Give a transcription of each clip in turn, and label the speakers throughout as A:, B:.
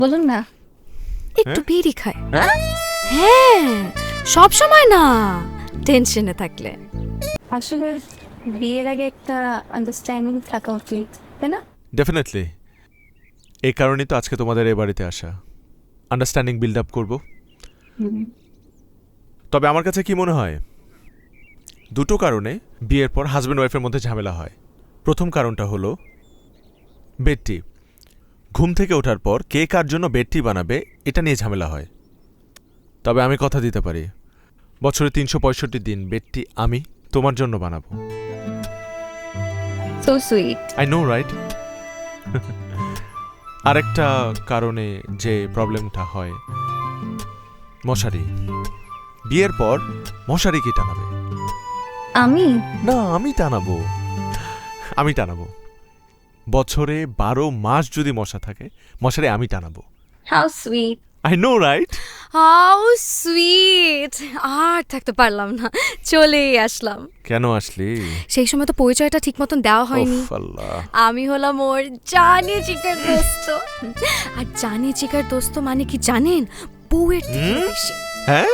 A: বলুন না।
B: একটু বিড়ি খায়। হ্যাঁ, সব সময় না, টেনশনে থাকলে।
A: আসলে বিয়ের আগে একটা আন্ডারস্ট্যান্ডিং থাকা উচিত, তাই না?
C: ডেফিনেটলি। এই কারণেই তো আজকে তোমাদের এই বাড়িতে আসা, আন্ডারস্ট্যান্ডিং বিল্ড আপ করবো। তবে আমার কাছে কি মনে হয়, দুটো কারণে বিয়ের পর হাজব্যান্ড ওয়াইফের মধ্যে ঝামেলা হয়। প্রথম কারণটা হলো বেডটি। ঘুম থেকে ওঠার পর কে কার জন্য বেডটি বানাবে এটা নিয়ে ঝামেলা হয়। তবে আমি কথা দিতে পারি, বছরে ৩৬৫ দিন বেডটি আমি তোমার জন্য বানাবো।
A: So sweet.
C: I know right. আরেকটা কারণে যে প্রবলেমটা হয়, মশারি। বিয়ের পর মশারি কি টানাবে?
A: আমি
C: না, আমি টানাবো। বছরে 12 মাস যদি মশা থাকে, মশারি আমি টানাবো।
A: How sweet.
C: I know right.
B: How sweet. আর থাকতে পারলাম না, চলেই আসলাম।
C: কেন আসলি?
B: সেই সময় তো পরিচয়টা ঠিক মতন দেওয়া হয়নি।
C: ওফ আল্লাহ।
B: আমি হলাম ওর জানি চিকার দোস্ত। আর জানি চিকার দোস্ত মানে কি জানেন? বউয়ের থেকে বেশি।
C: হ্যাঁ,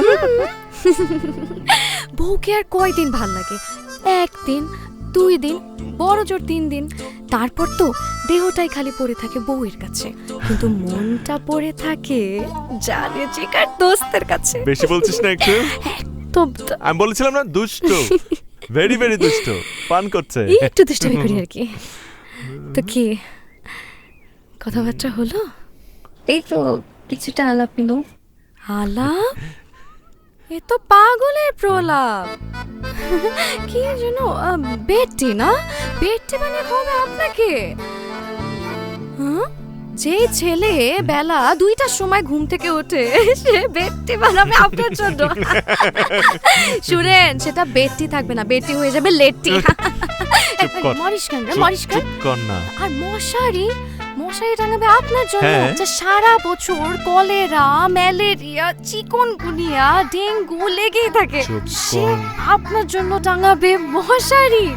B: বউকে আর কয়দিন ভাল লাগে? একদিন, 2 দিন, বড় জোর 3 দিন। তারপর তো দেহটাই খালি পড়ে থাকে বউয়ের কাছে, কিন্তু মনটা পড়ে থাকে জানি চিকার দোস্তের কাছে।
C: বেশি বলছিস না একটু?
B: তো
C: আমি বলেছিলাম না, দুষ্ট, ভেরি ভেরি দুষ্ট, পান করছে।
B: একটু দুষ্টামি করি আর কি। তো কি কথাবার্তা হলো?
A: এই তো কিছুটা আলাপ হলো।
B: আলাপ? এ তো পাগলের প্রলাপ। কি যেন বেডটি না, বেডটি মানে হবে আপনাকে। হ্যাঁ? যে ছেলে বেলা 2টার সময় ঘুম থেকে ওঠে, সে বেডটি বানাবে আপনার জন্য। শুনেন, সেটা বেডটি থাকবে না, বেডটি হয়ে যাবে লেটটি। মরিষ্কান রে, মরিষ্কান।
C: চুপ কর না।
B: আর মশারি টাঙাবে আপনার জন্য,
C: হ্যাঁ।
B: যা সারা বছর কলেরা, ম্যালেরিয়া, চিকনগুনিয়া, ডেঙ্গু লেগেই থাকে।
C: চুপ
B: সে
C: কর।
B: আপনার জন্য টাঙাবে মশারি।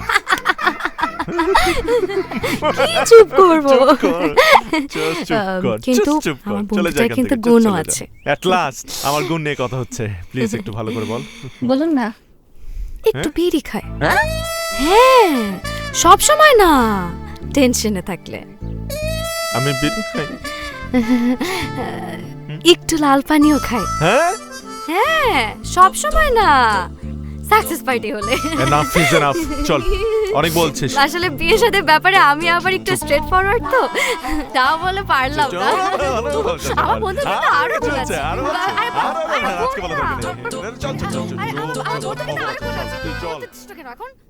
B: কি চুপ করবো? কিন্তু আমার বন্ধুটার কিন্তু গুণও আছে।
C: এট লাস্ট আমার গুণ নিয়ে কথা হচ্ছে, প্লিজ একটু ভালো করে বল।
A: বলুন না।
B: একটু বিড়ি খায়। হ্যাঁ, সব সময় না, টেনশনে থাকলে।
C: আমি বিড়ি খাই?
B: একটু লাল পানিও খায়।
C: হ্যাঁ,
B: হ্যাঁ, সব সময় না, সাকসেস পার্টি হলে।
C: Enough is enough. চল, অনেক বলছিস।
B: আসলে বিয়ের সাথে ব্যাপারে আমি আবার একটু স্ট্রেট ফরওয়ার্ড তো, তাও বলে পারলাম না। আমার বন্ধু কিন্তু আরো ঠিক আছে।
C: আরো আছে, আজকে বলা দরকার নেই। চল চল চল চল।
B: আমার বন্ধু কিন্তু আরো ঠিক আছে।
C: চল।
B: এখন